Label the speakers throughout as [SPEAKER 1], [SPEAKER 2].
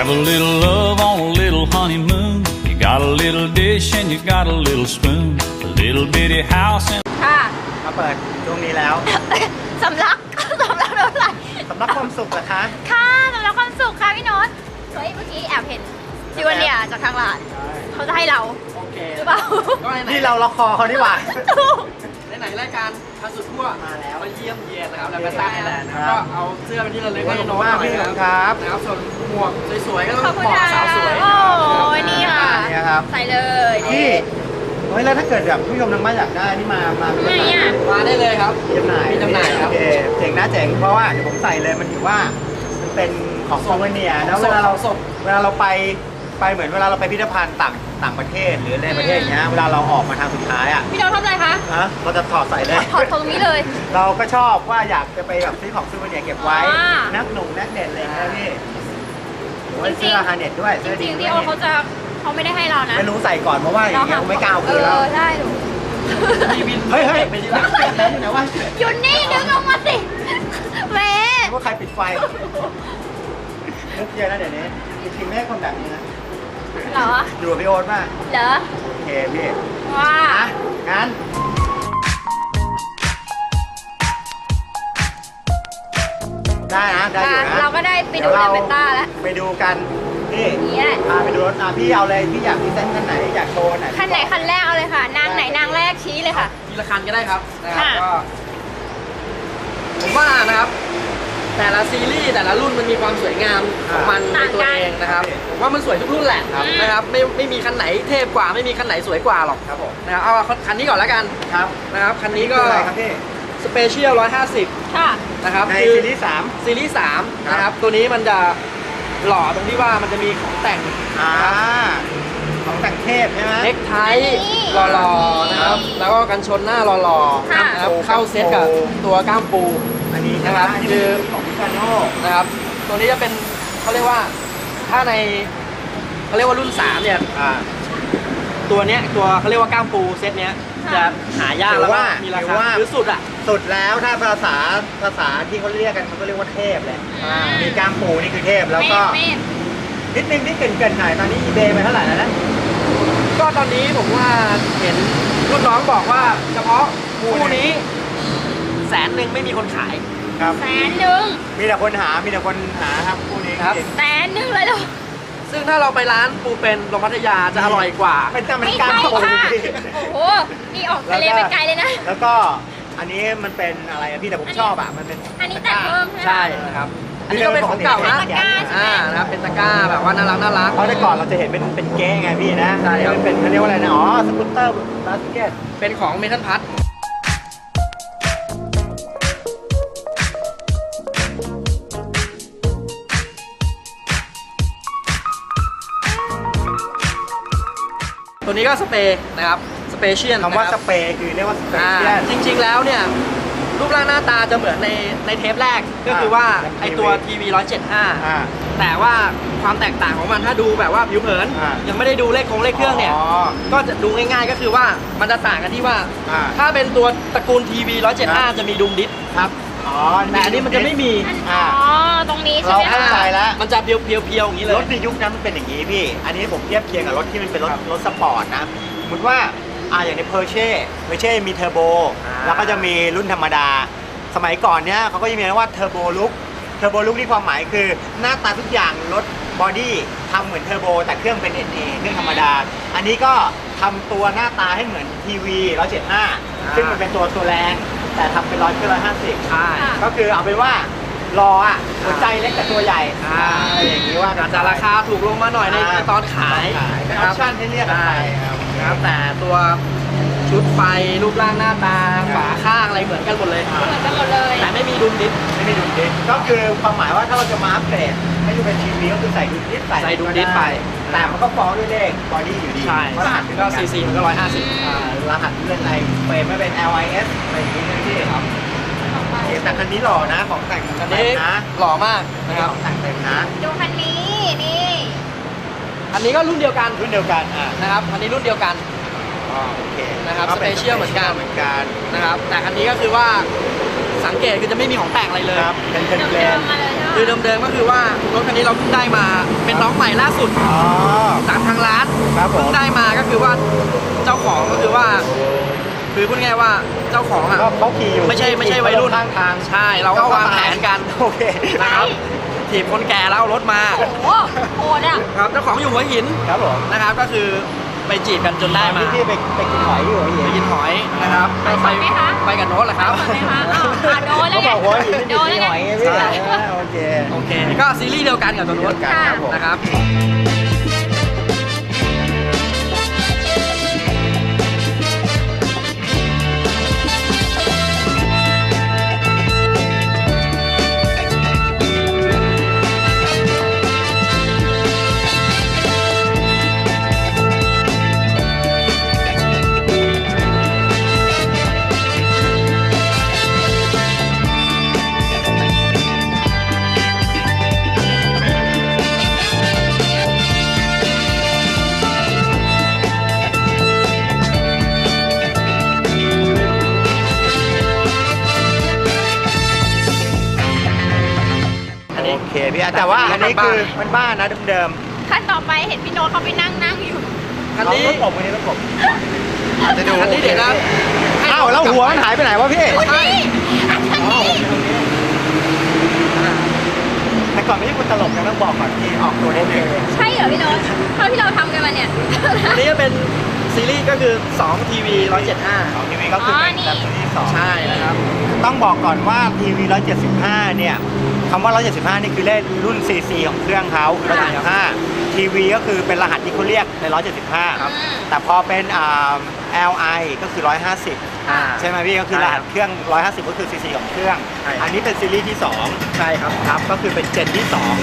[SPEAKER 1] Have a little love on a little honeymoon. You got a little dish and you got a little spoon. A little bitty house and
[SPEAKER 2] ค่ะ
[SPEAKER 3] มาเปิดช่วงนี้แล้ว
[SPEAKER 2] สำลักสำลักเท่าไหร่
[SPEAKER 3] สำหรับความสุขเหรอคะ
[SPEAKER 2] ค่ะสำลักความสุขค่ะพี่โน้ตเฮ้ยเมื่อกี้แอบเห็นพี่วันเนี่ยจากทางร้านเขาจะให้เรา
[SPEAKER 4] โอเค
[SPEAKER 2] หรือเปล่า
[SPEAKER 4] ก็ไหน
[SPEAKER 3] นี่เราล็อกคอเขานี่หว่า
[SPEAKER 2] ถูก
[SPEAKER 4] ไหนรายการพาสุดทั่ว
[SPEAKER 3] มาแล้ว
[SPEAKER 4] มาเยี่ยมเยียนนะครับแล้วก็ตั้งแหละนะ
[SPEAKER 3] ค
[SPEAKER 4] ค
[SPEAKER 3] รั
[SPEAKER 4] รับ บก็เอาเสื้อเป็นที่ระลึกให้น้อง
[SPEAKER 3] ขอบคุณมาก
[SPEAKER 4] หน่อย
[SPEAKER 3] พี่
[SPEAKER 4] นะครับ
[SPEAKER 3] ครับ
[SPEAKER 4] นะครับส่วนหมวกสวยๆก็ต้อง
[SPEAKER 2] ขอบคุณ
[SPEAKER 4] เหมาะ
[SPEAKER 2] ค่ะ
[SPEAKER 4] กับสาวสวย
[SPEAKER 2] โอ้ยนี่ค่ะ
[SPEAKER 3] นี่ครับ
[SPEAKER 2] ใส่เลย
[SPEAKER 3] พี่เฮ้ยแล้วถ้าเกิดแบบผู้ชมทางบ้านอยากได้นี่มา
[SPEAKER 2] ไหนอ่ะ
[SPEAKER 4] มาได้เลยครับ
[SPEAKER 3] จำหน่าย
[SPEAKER 4] มีจำหน่ายครับ
[SPEAKER 3] โอเคเจ๋งนะเจ๋งเพราะว่าเดี๋ยวผมใส่เลยมันถือว่ามันเป็นของโซเวเนียแล้ว
[SPEAKER 4] ส
[SPEAKER 3] เว
[SPEAKER 4] ด
[SPEAKER 3] ลาเรา
[SPEAKER 4] สด
[SPEAKER 3] เวลาเราไปเหมือนเวลาเราไปพิพิธภัณฑ์ต่างประเทศหรือในประเทศอย่างเงี้ยเวลาเราออกมาทางสุดท้ายอ่ะ
[SPEAKER 2] พี่โน้ตทำอะไรคะ
[SPEAKER 3] นะเราจะถอดใส่เลย
[SPEAKER 2] ถอดตรงนี้เลย
[SPEAKER 3] เราก็ชอบว่าอยากจะไปแบบซื้อของซูเวเนียร์เก็บไว้
[SPEAKER 2] อ่า
[SPEAKER 3] นักหนุ่มนักเด่นอะไรอย่างเงี้ยพี่โอ้ย
[SPEAKER 2] จริงๆ
[SPEAKER 3] เสื้อฮาเน็ตด้วย
[SPEAKER 2] จ
[SPEAKER 3] เสื้อ
[SPEAKER 2] ริ
[SPEAKER 3] ดี
[SPEAKER 2] งๆ
[SPEAKER 3] ด้
[SPEAKER 2] พี่
[SPEAKER 3] วย
[SPEAKER 2] โอ๊ตเขาไม่ได้ให้เรานะ
[SPEAKER 3] ไม่รู้ใส่ก่อนเพราะว่าอย่างเงี้ยไม่กล้าเอาคืนแล้ว
[SPEAKER 2] ได้ดู
[SPEAKER 4] มีบิน
[SPEAKER 3] เฮ้ย
[SPEAKER 4] ไปที่ร้าน
[SPEAKER 3] อยู่ไหนวะ
[SPEAKER 2] หยุดนี่ดึงออกมาสิแหม่
[SPEAKER 3] ว่าใครปิดไฟนึกเยอะนะเดี๋ยวนี้จริงๆไม่ให้คนแบบนี้นะ
[SPEAKER 2] เหรอ
[SPEAKER 3] อยู่กับพี่โอ๊ตมาก
[SPEAKER 2] เหรอ
[SPEAKER 3] โอเคพี่
[SPEAKER 2] ว่า
[SPEAKER 3] อ่ะงั้นได้นะได้อยู่นะ
[SPEAKER 2] เราก็ได้ไปดู
[SPEAKER 3] ดี๋ยว
[SPEAKER 2] เดเบต้าแล้ว
[SPEAKER 3] ไปดูกันพี่
[SPEAKER 2] นี่แหละ
[SPEAKER 3] พาไปดูรถพี่เอาเลยพี่อยากพรีเซนต์คันไหนอยากโชว์ไหน
[SPEAKER 2] คันไหนคันแรกเอาเลยค่ะ นางไหนนางแรกชี้เลยค่ะ
[SPEAKER 4] ทีละคันก็ได้ครับนะครับ
[SPEAKER 2] ค่ะ
[SPEAKER 4] ก็ผมว่านะครับ แต่ละซีรีส์แต่ละรุ่นมันมีความสวยงามของมันในตัวเองนะครับผมว่ามันสวยทุกรุ่นแหละนะครับไม่มีคันไหนเทพกว่าไม่มีคันไหนสวยกว่าหรอก
[SPEAKER 3] ครับผม
[SPEAKER 4] นะครับเอาคันนี้ก่อนแล้วกัน
[SPEAKER 3] ครับ
[SPEAKER 4] นะครับคันนี้ก็
[SPEAKER 3] คืออะไรครับพี่
[SPEAKER 4] สเปเชียล150
[SPEAKER 2] ค่ะ
[SPEAKER 4] นะครับ
[SPEAKER 3] ใน
[SPEAKER 4] คือ
[SPEAKER 3] ซีรีส์สาม
[SPEAKER 4] ซีรีส์
[SPEAKER 3] ครับ
[SPEAKER 4] 3นะครับตัวนี้มันจะหล่อตรงที่ว่ามันจะมีของแต่ง
[SPEAKER 3] ของแต่งเทพใช่ไหม
[SPEAKER 4] เน็กไท
[SPEAKER 2] นี่
[SPEAKER 4] หล่อๆนะครับแล้วก็กันชนหน้าหล่อ
[SPEAKER 2] ค่ะ
[SPEAKER 4] ๆนะครับเข้าเซตกับตัวก้ามปู
[SPEAKER 3] อันนี้
[SPEAKER 4] นะครับ
[SPEAKER 3] อันนี้
[SPEAKER 4] คือ
[SPEAKER 3] ของพิคาโน่
[SPEAKER 4] นะครับตัวนี้จะเป็นเขาเรียกว่าถ้าในเขาเรียกว่ารุ่น 3 เนี่ย ตัวเนี้ยตัวเขาเรียกว่าก้ามปูเซตเนี้ย
[SPEAKER 2] ค่ะ
[SPEAKER 4] จะหายากแล้วก็มีราคาหรือสุดอ่ะ
[SPEAKER 3] สุดแล้วถ้าภาษาที่เขาเรียกกันเขาก็เรียกว่าเทพเลยมีกล้ามปูนี่คือเทพแล้วก็
[SPEAKER 2] เมฆ
[SPEAKER 3] นิดนึงที่เกินหน่อยตอนนี้ eBay ไปเท่าไหร่แล้วนะ
[SPEAKER 4] ก็ตอนนี้ผมว่าเห็นรุ่นน้องบอกว่าเฉพาะคู่นี้100,000ไม่มีคนขาย
[SPEAKER 3] ครับ
[SPEAKER 2] 100,000
[SPEAKER 3] มีแต่คนหาครับคู่นี้
[SPEAKER 4] ครับ
[SPEAKER 2] 100,000เลยเหรอ
[SPEAKER 4] ซึ่งถ้าเราไปร้านปูเป็นโรงพัทยาจะอร่อยกว่า
[SPEAKER 3] เป็นแต่มัน
[SPEAKER 2] ไม่
[SPEAKER 3] กล้าม
[SPEAKER 2] ใช่
[SPEAKER 3] ปู
[SPEAKER 2] ค่ะ
[SPEAKER 3] พี่
[SPEAKER 2] โอ้โห นี่ออกทะเลไปไกลเลยนะ
[SPEAKER 3] แล้วก็อันนี้มันเป็นอะไรอะพี่แต่ผมชอบอ่ะมันเป็น
[SPEAKER 2] อันนี้แต่งเพิ่มใช่ไหม
[SPEAKER 4] ใช่นะครับอันนี้ก็เป็นของเก่านะ
[SPEAKER 2] ตะกร้าใช่ไหม
[SPEAKER 4] นะครับเป็นตะกร้าแบบว่าน่ารัก
[SPEAKER 3] เพราะแต่ก่อนเราจะเห็นเป็นเก๊ไงพี่นะ
[SPEAKER 4] ใช่ครับ
[SPEAKER 3] มันเป็นเขาเรียกว่าอะไรนะอ๋อสกูตเตอร์บาสเกต
[SPEAKER 4] เป็นของเมทัลพัทตัวนี้ก็สเปรย์นะครับสเปเชียล
[SPEAKER 3] คำว่าสเปรย์คือเรียกว่าสเปรย์เชียน
[SPEAKER 4] จริงๆแล้วเนี่ยรูปร่างหน้าตาจะเหมือนในเทปแรกก็คือว่าไอตัวทีวี175แต่ว่าความแตกต่างของมันถ้าดูแบบว่าผิวเผิน ยังไม่ได้ดูเลขเครื่องเนี่ย ก็จะดูง่ายๆก็คือว่ามันจะต่างกันที่ว่า ถ้าเป็นตัวตระกูลทีวี175จะมีดุมดิส
[SPEAKER 3] ครับอ๋อ
[SPEAKER 4] แต่อันนี้มันจะไม่มี
[SPEAKER 2] อ๋อ ตรงนี้ใช่
[SPEAKER 3] เรา
[SPEAKER 2] ไหม
[SPEAKER 3] เข้า
[SPEAKER 2] คะ
[SPEAKER 3] ใจแล้ว
[SPEAKER 4] มันจะเพียวๆอย่างนี้เล
[SPEAKER 3] ร
[SPEAKER 4] ย
[SPEAKER 3] ถในยุคนั้นมันเป็นอย่างนี้พี่ อันนี้ผมเทียบเคียงกับรถที่มันเป็นรถสปอร์ตนะสมมติว่าอย่างในเพอร์เช่มีเทอร์โบแล้วก็จะมีรุ่นธรรมดา สมัยก่อนเนี้ยเขาก็จะมีเรียกว่าเทอร์โบลุกที่ความหมายคือหน้าตาทุกอย่างรถบอดี้ทำเหมือนเทอร์โบแต่เครื่องเป็น NA เครื่องธรรมดา อันนี้ก็ทำตัวหน้าตาให้เหมือนทีวี175ซึ่งมันเป็นตัวแรงแต่ทำเป็น150
[SPEAKER 4] ใช่
[SPEAKER 3] ก็คือเอาเป็นว่า รออ่ะหัวใจเล็กแต่ตัวใหญ่อะไรอย่างนี้ว่า
[SPEAKER 4] อาจจะราคาถูกลงมาหน่อยในตอนขาย
[SPEAKER 3] เป็น
[SPEAKER 4] นะ
[SPEAKER 3] อ
[SPEAKER 4] ค
[SPEAKER 3] อ
[SPEAKER 4] รั
[SPEAKER 3] ป
[SPEAKER 4] บ
[SPEAKER 3] ชั่นให้เรียกกันไปครับ
[SPEAKER 4] นะครับแต่ตัวชุดไฟรูปร่างหน้าตาฝาข้างอะไรเหมือนกันหมดเลย
[SPEAKER 2] เหมือนกันหมดเลย
[SPEAKER 4] แต่ไม่มีดุมดิส
[SPEAKER 3] ไม่มีดุลดิสก็คือความหมายว่าถ้าเราจะมาอัปเกรดให้ดูเป็นทีวีก็คือใส่ดุลดิส
[SPEAKER 4] ใส่ดุลดิสไป
[SPEAKER 3] แต่มันก็ฟ้องด้วยเลขบอดี้อยู่ดี
[SPEAKER 4] ใช่
[SPEAKER 3] เพราะรหัสมัน
[SPEAKER 4] ก็
[SPEAKER 3] ก็
[SPEAKER 4] ซีซีมันก็150
[SPEAKER 3] รหัสเรื่องอะไรเฟรมไม่เป็น LIS อะไรอย่างนี้นะพี่ครับแต่คันนี้หล่อนะของแต่ง
[SPEAKER 4] อัน
[SPEAKER 3] เต็
[SPEAKER 4] นี้
[SPEAKER 3] มนะ
[SPEAKER 4] หล่อมาก
[SPEAKER 3] นะ
[SPEAKER 4] นะ
[SPEAKER 3] ค
[SPEAKER 4] ค
[SPEAKER 3] รั
[SPEAKER 4] รั
[SPEAKER 3] บบ ของแต่งเต็มนะ
[SPEAKER 2] ดูคันนี้ นี่
[SPEAKER 4] อันนี้ก็รุ่นเดียวกัน
[SPEAKER 3] รุ่นเดียวกัน
[SPEAKER 4] นะครับอันนี้รุ่นเดียวกัน
[SPEAKER 3] โอเค
[SPEAKER 4] นะครับ
[SPEAKER 3] ก็ป็
[SPEAKER 4] Special เหมือนกัน
[SPEAKER 3] เหมือนกัน
[SPEAKER 4] นะครับแต่อันนี้ก็คือว่าสังเกตคือจะไม่มีของแต่งอะไรเลย
[SPEAKER 3] ครับเป็นเพล
[SPEAKER 2] เดิ
[SPEAKER 3] น
[SPEAKER 2] มๆมาเลยใช่
[SPEAKER 4] คือ
[SPEAKER 2] ไหม
[SPEAKER 4] เดิมๆก็คือว่ารถคันนี้เราเพิ่งได้มาเป็นน้องใหม่ล่าสุด
[SPEAKER 3] อ๋อ
[SPEAKER 4] จากทางร้าน
[SPEAKER 3] ครับผม
[SPEAKER 4] เพิ่งได้มาก็คือว่าเจ้าของก็คือว่า คือพูดง่ายๆว่าเจ้าของอ่ะ
[SPEAKER 3] ก็เขาขี่อยู่
[SPEAKER 4] ไม่ใช่วัยรุ่น
[SPEAKER 3] ข้างทาง
[SPEAKER 4] ใช่เราก็วางแผนกัน
[SPEAKER 3] โอเค
[SPEAKER 4] นะครับถีบคนแก่แล้วเอารถมา
[SPEAKER 2] โอ้โหโหดอ่ะ
[SPEAKER 4] ครับเจ้าของอยู่หัวหิน
[SPEAKER 3] ครับผม
[SPEAKER 4] นะครับก็คือไปจีบกันจนได้มา
[SPEAKER 3] พี่ไปกินหอยอยู่หัวหิ
[SPEAKER 4] ไป
[SPEAKER 3] น
[SPEAKER 4] กินหอยนะครับ
[SPEAKER 2] ไปไหมคะ
[SPEAKER 4] ไปกับโน้ตแหละครับ
[SPEAKER 2] สดไหมคะอ้าวโดนแล้ว
[SPEAKER 3] เขา
[SPEAKER 2] ไง
[SPEAKER 3] บอกหัวหินไม่
[SPEAKER 2] โด
[SPEAKER 3] มี
[SPEAKER 2] นแล้ว
[SPEAKER 3] ห
[SPEAKER 2] ไง
[SPEAKER 3] อยไงพี่
[SPEAKER 4] ใช่
[SPEAKER 3] โอเค
[SPEAKER 4] โอเคก็ซีรีส์เดียวกันกับตัวโน้ต
[SPEAKER 3] กันครับผม
[SPEAKER 4] นะครับ
[SPEAKER 3] โอเคพี่แต่ว่าอันนี้คือมันบ้านนะเดิม
[SPEAKER 2] ขั้นต่อไปเห็นพี่โน้ตเขาไปนั่งอยู่
[SPEAKER 3] ๆ
[SPEAKER 4] อันนี้
[SPEAKER 3] รถผมอันนี้รถผมอาจจะดู
[SPEAKER 4] อันนี้เดี๋ยวนะให้
[SPEAKER 3] อ้าวแล้วหัวมันหายไปไหนวะพี่
[SPEAKER 2] ใช่อันนี้
[SPEAKER 3] แต่ก่อนไม่ใช่คุณตลกนะต้องบอกก่อนที่ออกตัวได้เลย
[SPEAKER 2] ใช่เหรอพี่โน้ตเท่าที่เราทำกันมาเนี่ย
[SPEAKER 4] อันนี้ก็เป็นซีรีส์ก็คือ2 TV 175
[SPEAKER 3] ของทีวีก็คือเป็นแบบซีรีส์สอง
[SPEAKER 4] ใช่นะครับ
[SPEAKER 3] ต้องบอกก่อนว่าทีวี175เนี่ยคำว่า175นี่คือเลขรุ่น CC ของเครื่องเขาคือ175ทีวีก็คือเป็นรหัสที่เขาเรียกใน175ครับแต่พอเป็นLI ก็คือ150ใช่ไหมพี่ก็คือรหัสเครื่อง150ก็คือ CC ของเครื่อง
[SPEAKER 4] ใช่
[SPEAKER 3] อันนี้เป็นซีรีส์ที่2
[SPEAKER 4] ใช่ครับ
[SPEAKER 3] ครับก็คือเป็นเจนที่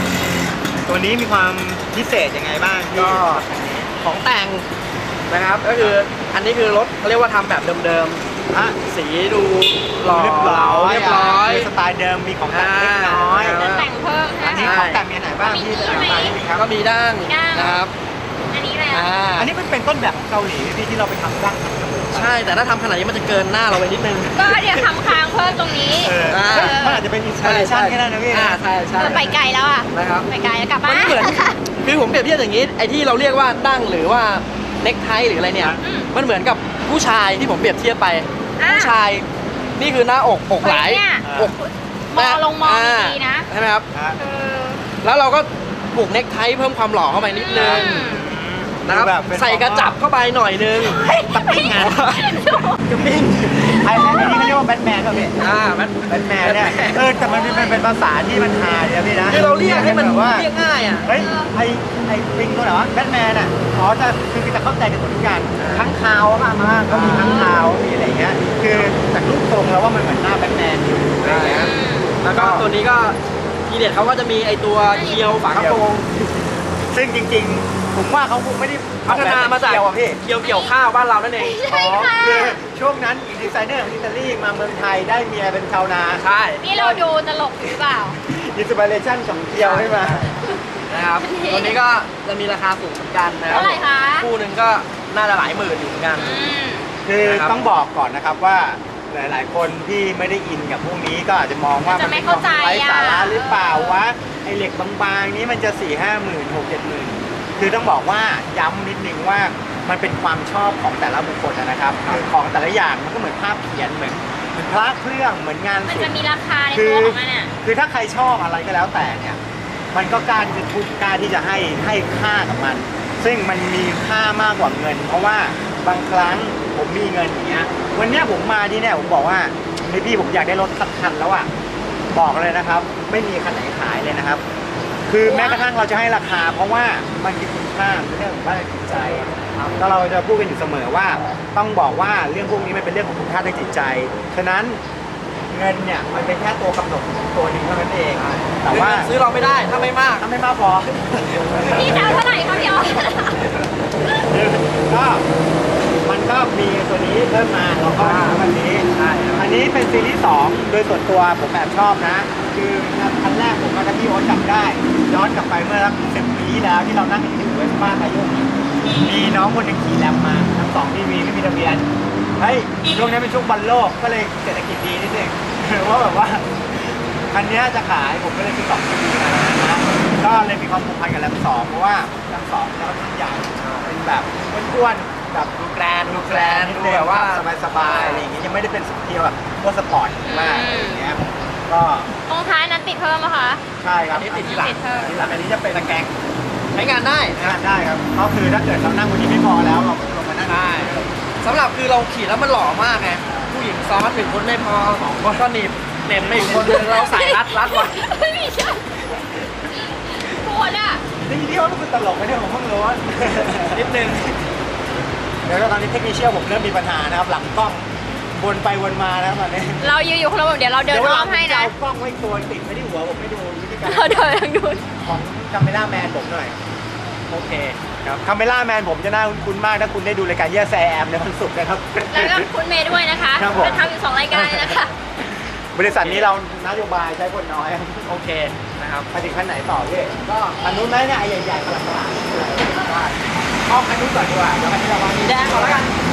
[SPEAKER 3] 2 ตัวนี้มีความพิเศษยังไงบ้างพี่
[SPEAKER 4] ก็ของแต่งนะครับก็คืออันนี้คือรถเขาเรียกว่าทำแบบเดิม
[SPEAKER 3] ฮะ
[SPEAKER 4] ๆสีดูหล่อ
[SPEAKER 3] เรียบร้อย
[SPEAKER 4] เรียบร้อย
[SPEAKER 3] คือสไตล์เดิมมีของแต่งเล็กน้อย
[SPEAKER 2] จะแต่งเพิ่ม
[SPEAKER 3] อันนี้
[SPEAKER 2] นะ
[SPEAKER 3] ของแต่งมีไหนบ้างพี่
[SPEAKER 2] มีไหม
[SPEAKER 3] ครับ
[SPEAKER 4] ก็มีด้าน
[SPEAKER 2] มีด้าน
[SPEAKER 4] นะครับ
[SPEAKER 2] อันนี้แล้ว
[SPEAKER 3] อันนี้มันเป็นต้นแบบของเกาหลีพี่ที่เราไปทำดั้งทำจมูก
[SPEAKER 4] ใช่แต่ถ้าทำขนาดนี้มันจะเกินหน้าเราไปนิดนึง
[SPEAKER 2] ก็เดี๋ยวทำค้างเพิ่มตรงนี้
[SPEAKER 3] เฮ้ยมันอาจจะเป็นอินสปิเรชันแค่นั้นนะพี่นะ
[SPEAKER 4] ใช่ใช่
[SPEAKER 2] ไปไกลแล้วอ่ะ
[SPEAKER 4] นะครับ
[SPEAKER 2] ไปไกลแล้วกลับ
[SPEAKER 4] มัน
[SPEAKER 2] บ้าน
[SPEAKER 4] เหมือนคือผมเปรียบเทียบอย่างนี้ไอ้ที่เราเรียกว่าดั้งหรือว่าเน็กไทหรืออะไรเนี่ย มันเหมือนกับผู้ชายที่ผมเปรียบเทียบไปผู้ชายนี่คือหน้าอกไหล
[SPEAKER 2] เนี่ย
[SPEAKER 4] อก
[SPEAKER 2] มองลงมองดีๆนะ
[SPEAKER 4] ใช่ไหมครับ
[SPEAKER 2] เออ
[SPEAKER 4] แล้วเราก็ผูกเน็กไทเพิ่มความหล่อเข้าไปนิดนึงนะครับ
[SPEAKER 3] ดูแบบเป็น
[SPEAKER 4] ใส่กระจับเข้าไปหน่อยนึง
[SPEAKER 3] ตะปิ้งไงตะปิ้งไอ้นี่เขาเรียกว่าแบทแมนป่ะพี่
[SPEAKER 4] มัน
[SPEAKER 3] แบทแมนเนี่ยแต่มันเป็นภาษาที่มันฮาเนี่ยพี่นะ
[SPEAKER 4] คือเราเรียกให้มัน
[SPEAKER 3] แบบว่า
[SPEAKER 4] เรียกง่ายอ่ะ
[SPEAKER 3] เฮ้ยไอ้ปิงตัวไหนวะแบทแมนอ่ะอ๋อคือจะเข้าใจกันหมดทุกอย่างทั้งคาวอะมาก็มีทั้งคาวมีอะไรเงี้ยคือจากรูปทรงแล้วว่ามันเหมือนหน้าแบทแมนอยู่อะไรเงี้ย
[SPEAKER 4] แล้วก็ตัวนี้ก็ทีเด็ดเขาก็จะมีไอตัวเคียวฝากระโปรง
[SPEAKER 3] ซึ่งจริงๆ ผมว่าเขาคงไม่ได้
[SPEAKER 4] พัฒนามาจาก
[SPEAKER 3] เกี่ยวอะพี่
[SPEAKER 4] เกี่ยวข้าวบ้านเรานั่นเอง
[SPEAKER 2] ใช่ค่ะ
[SPEAKER 3] คือช่วงนั้นดีไซเนอร์ของอิตาลีมาเมืองไทยได้เมียเป็นชาวนา
[SPEAKER 4] ใช่
[SPEAKER 2] นี่เราดูตลกหรือเปล่า
[SPEAKER 3] อินสปิเรชันของเกียวให้มา
[SPEAKER 4] นะครับตัวนี้ก็จะมีราคาสูงเหมือนกันนะครับ
[SPEAKER 2] เท่าไหร่คะ
[SPEAKER 4] คู่หนึ่งก็น่าจะหลายหมื่นอยู่เหมือนกัน
[SPEAKER 3] คือ
[SPEAKER 4] นะครับ
[SPEAKER 3] ต้องบอกก่อนนะครับว่าหลายๆ คนที่ไม่ได้อินกับพวกนี้ก็อาจจะมองว่า
[SPEAKER 2] จะไม่เข้าใจ
[SPEAKER 3] ไร้สาระ
[SPEAKER 2] อะ
[SPEAKER 3] หรือเปล่าวะไอเหล็กบางๆนี้มันจะ4-5หมื่น6-7 หมื่นคือต้องบอกว่าย้ำนิดนึงว่ามันเป็นความชอบของแต่ละบุคคลนะครับคือของแต่ละอย่างมันก็เหมือนภาพเขียนเหมือนพระเครื่องเหมือนงาน
[SPEAKER 2] มัน
[SPEAKER 3] ศิล
[SPEAKER 2] จะ
[SPEAKER 3] ป์
[SPEAKER 2] มีราคาในตัวของมันอ่ะ
[SPEAKER 3] คือถ้าใครชอบอะไรก็แล้วแต่เนี่ยมันก็กล้าที่จะทุบกล้าที่จะให้ค่ากับมัน ซึ่งมันมีค่ามากกว่าเงิน เพราะว่าบางครั้งผมมีเงินอย่างเงี้ยวันเนี้ยผมมาที่เนี่ยผมบอกว่าเฮ้ยพี่ผมอยากได้รถสักคันแล้วอ่ะบอกเลยนะครับ ไม่มีคันไหนขายเลยนะครับ คือแม้กระทั่งเราจะให้ราคา เพราะว่ามันคือคุณค่าเป็นเรื่องของบ้านจิตใจครับแล้วเราจะพูดกันอยู่เสมอว่าต้องบอกว่าเรื่องพวกนี้มันเป็นเรื่องของคุณค่าทางจิตใจฉะนั้นเงินเนี่ยมันเป็นแค่ตัวกำหนดตัวหนึ่งเท่านั้นเองแต่ว่า
[SPEAKER 4] ซื้อเราไม่ได้ถ้าไม่มาก
[SPEAKER 3] ถ้าไม่มากพอ
[SPEAKER 2] พี่จะเอาเท่าไหร่คะพี่ออส
[SPEAKER 3] ก็มันก็มีตัวนี้เพิ่มมาแล้วก็วันนี้
[SPEAKER 4] ใช่ครับ
[SPEAKER 3] อันนี้เป็นซีรีส์2โดยส่วนตัวผมแบบชอบนะ คือคันแรกผมกับพี่โอ๊ตจำได้ย้อนกลับไปเมื่อสัก10 ปีที่แล้วที่เรานั่งอยู่ที่เวสป้าอายุมีน้องคนหนึงขี่แรมมาทั้ง2 ทีวีไม่มีทะเบียนเฮ้ยช่วงนี้เป็นช่วงบอลโลกก็เลยเศรษฐกิจดีนิดนึงว่าแบบว่าคันนี้จะขายผมก็เลยซื้อ2 CV นะก็เลยมีความผูกพันกับแรม2เพราะว่าแรม2เนี่ยค่อนข้างใหญ่เป็นแบบอ้วนๆแบบดูแกรนดูแบบว่าสบายๆอะไรอย่างเงี้ยยังไม่ได้เป็นสเทียแบบตัวสปอร์ตมากอย่างเงี้ยก็
[SPEAKER 2] ตรงท้ายนั้นติดเพิ่มไหมคะ
[SPEAKER 3] ใช่ครับ
[SPEAKER 4] อันนี้ติดที่หลัง
[SPEAKER 3] อันนี้จะเป็นตะแกรง
[SPEAKER 4] ใช้งานได้
[SPEAKER 3] งานได้ครับก็คือถ้าเกิดเรานั่งบนนี้ไม่พอแล้วเราลงมานั่ง
[SPEAKER 4] ได้สำหรับคือเราขี่แล้วมันหล่อมากไงผู้หญิงซ้อน1 คนไม่พอ2 คนก็หนีบเหน็บไม่อีกคนนึงเราใส่รัดไว้
[SPEAKER 2] ไม่ใช่ปวดอ่ะ
[SPEAKER 3] นี่ที่ว่ามันคือตลกไหมเนี่ยผมเพิ่งรู้ว่า
[SPEAKER 4] นิดนึง
[SPEAKER 3] เดี๋ยวตอนนี้เทคนิคเชียลผมเริ่มมีปัญหานะครับหลังกล้องวนไปวนมาแล้วตอนนี้
[SPEAKER 2] เรายืนอยู่คนละมุมเดี๋ยวเราเดินอ้อมให้นะ
[SPEAKER 3] เอากล้องไว้ตัวติดไม่ที่หัวผมไม่ดูวิธีการ
[SPEAKER 2] เราเดินทางนู้น
[SPEAKER 3] ของคาเมล่าแมนผมหน่อย
[SPEAKER 4] โอเคครับ
[SPEAKER 3] คาเมล่าแมนผมจะน่าคุ้นมากถ้าคุณได้ดูรายการเยี่ยแซมในวันศุกร์นะครับ
[SPEAKER 2] แล้วก็คุณเมย์ด้วยนะคะ
[SPEAKER 3] ครับผม
[SPEAKER 2] เป็นทำอยู่2 รายการเลยนะคะ
[SPEAKER 3] บริษัทนี้เรานโยบายใช้คนน้อย
[SPEAKER 4] โอเคนะครับ
[SPEAKER 3] ไปถึงขั้นไหนต่อพี่ก็อันนู้นไหมเนี่ยไอ้ใหญ่ๆกระหลังๆเอาอันนู้นก่อนดีกว่าเดี๋ยวอันนี้เราวาง
[SPEAKER 4] สีแดงก่อนแล้วกัน